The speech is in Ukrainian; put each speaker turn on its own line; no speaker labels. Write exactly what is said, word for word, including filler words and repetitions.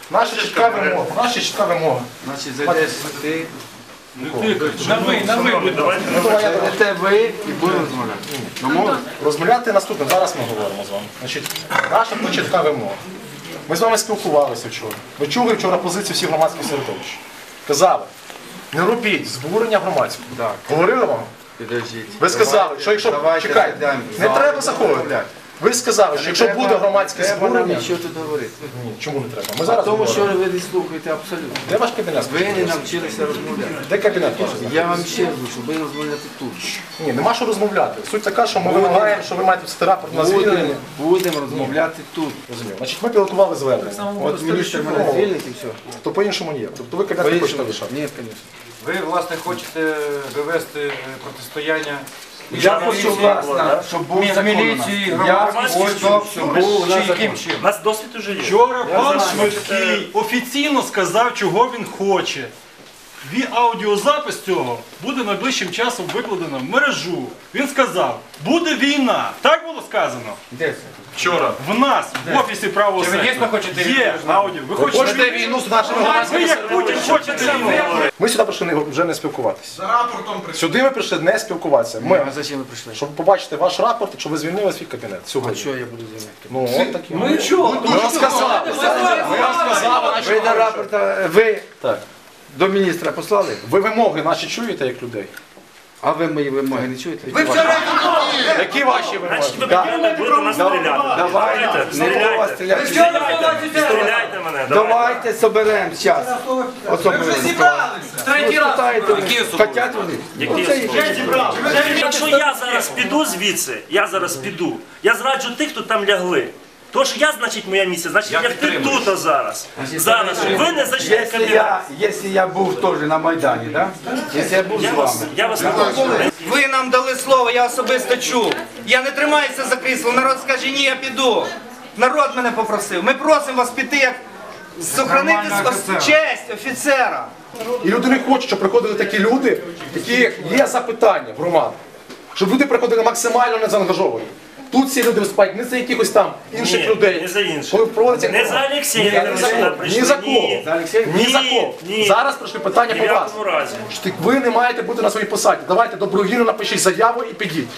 Наша чітка вимога. Наша чітка вимога.
Значить, зайдеш ти.
На ви, на ви, будь ласка.
Ну, давай я
Зайдете ви і будемо розмовляти. Домовились?
розмовляти наступне. Зараз ми говоримо з вами. Значить, наша чітка вимога. Ми з вами спілкувалися вчора. Ви чули вчора позицію всіх громадських середовищ. Казали, не робіть збурення громадського.
Так.
Говорили вам?
Підождіть.
Ви сказали, що якщо...
Давайте
Чекайте,
зайдемо.
не треба заходити. Ви сказали, що якщо буде громадське
Треба нам
збурення...
нічого тут говорити.
Ні, чому не треба? Ми зараз
Тому що
говоримо.
ви не слухаєте абсолютно.
Де ваш кабінет?
Ви не навчилися розмовляти.
Де кабінет ваш?
Я вам ще кажу, щоб ви розмовляти тут.
Ні, нема що розмовляти. Суть така, що ми вимагаємо, що ви маєте писати рапорт на звільнення.
Будемо, будемо розмовляти тут.
Розумію. Значить, ми підготували звернення.
От міністр мене звільнить і все.
То по-іншому ні. Тобто ви кабінет не хочете лишати.
Ні, звісно.
Ви, власне, хочете довести протистояння
Я хочу вас, щоб був
між
закон у нас.
міліцією,
Я
громадськістю,
хочу, щоб був у нас
чи яким
закон.
чином?
У нас досвід уже є.
Вчора пан Швидкий офіційно сказав, чого він хоче. Ві- Аудіозапис цього буде найближчим часом викладено в мережу. Він сказав, буде війна. Так було сказано?
Де це?
Вчора. В нас, в офісі правого
Чи ви
сектору.
дійсно хочете війну?
Є аудіо. Ви хочете
Хочете війну з нашими
Ви
громадськими
як Путін хочете війну.
Ми сюди прийшли не- вже не спілкуватися. Сюди ми прийшли не спілкуватися. Ми,
А зачем ви прийшли?
щоб побачити ваш рапорт, щоб ви звільнили свій кабінет
А
сьогодні.
що я буду займати?
Ну, от такі.
Ми чого?
Ми вам сказали. Ми вам сказали, наші
Ви до рапорта, ви
Так.
до міністра послали?
Ви вимоги наші чуєте як людей?
А ви мої вимоги не чуєте?
Ви Які ваші вимоги?
Значить, ви
Да.
будете будете нас стріляти.
Давайте, не було вас
Стріляйте.
стріляти.
Стріляйте. Стріляйте мене. Давайте.
Давайте соберемо час. Особливо. Ви вже зібралися. Третій раз. Хотять вони.
Які
Ну, це
особливо?
їх.
Якщо я зараз піду звідси, я зараз піду, я зраджу тих, хто там лягли. Тож я, значить, моя місія, значить, я лягти тут зараз. Зараз. Ви не зайшли в
Якщо
кабінет.
я, якщо я був теж на Майдані, да? Якщо я був з
Я вас,
вами.
я вас не бачу.
Ви нам дали слово, я особисто чув. Я не тримаюся за крісло, народ скаже, ні, я піду. Народ мене попросив. Ми просимо вас піти, як сохранити ос- честь офіцера.
І люди не хочуть, щоб приходили такі люди, які є запитання в громаду. Щоб люди приходили максимально незаангажовані. Тут всі люди виступають не за якихось там інших
Ні,
людей.
не за інших.
Коли проводиться
Не за Олексія,
Ні,
ви
ні за
сюди
кого.
прийшли.
Ні за кого.
Ні.
За Олексія?
Ні за
Ні,
кого.
ні.
Зараз прийшли питання
Ні в
по вас.
якому разі.
Що ви не маєте бути на своїй посаді. Давайте добровільно напишіть заяву і підіть.